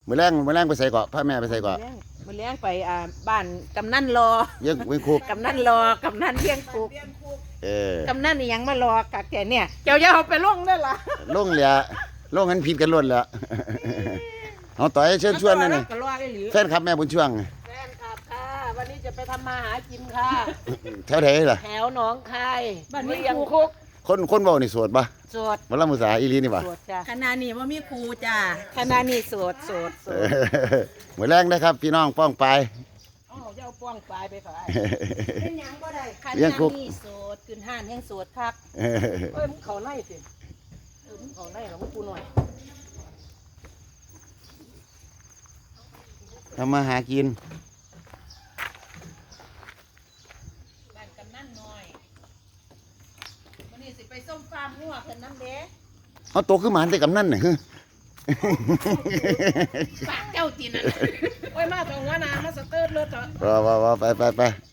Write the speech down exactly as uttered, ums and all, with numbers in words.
มื้อแรงมื้อแรงไปใส่เกาะพาแม่ไปใส่เกาะมาเลี้ยงไปอ่าบ้านกำนันรอเลี้ยงเลี้ยงคุกกำนันรอกำนันเลี้ยงคุกเออกำนันนี่ยังมารอกักแกเนี่ยเจ้าอย่าเอาไปลงได้ล่ะลงเหลือลงหันผิดกันล้วนแล้วเอาต่อยเชิญชวนนั่นนี่ก็รอได้หรือแฟนคลับแม่บุญช่วงแฟนคลับค่ะ วันนี้จะไปทำมาหากินค่ะแถวไหนล่ะแถวหนองคายบ้านเลี้ยงคุกคนคนเว้านี่โสดปะโสดบ่ละมุสาอีหลีนี่ปะโสดจ้ะขณะนี้ว่ามีครูจ้าคณะนี้โสดโสดโสเอดอมื้อแรงนะครับพี่น้องป้องไปอ๋อเจ้าป้องปลายไปฝ่ายเป็นหยังก็ได้คณะเลี้ยงคุกนี้โสดขึ้นห้านแห่งโสดคักเอ้ยมึงเขาไล่สิเออมึงเขาไล่เหรอมึงกูหน่อยทำมาหากินบ้านกำนันน้อยวันนี้สิไปส้มฟาร์มหัวเพิ่นน้ำเด้เอาโตขึ้นมาหันแต่กำนั่นน่ะฮึปากเจ้าจีนอ่ะโอ้ยมาตรงว่านามาสเติร์ดรถเถอะว่าว่าว่าไปไปไป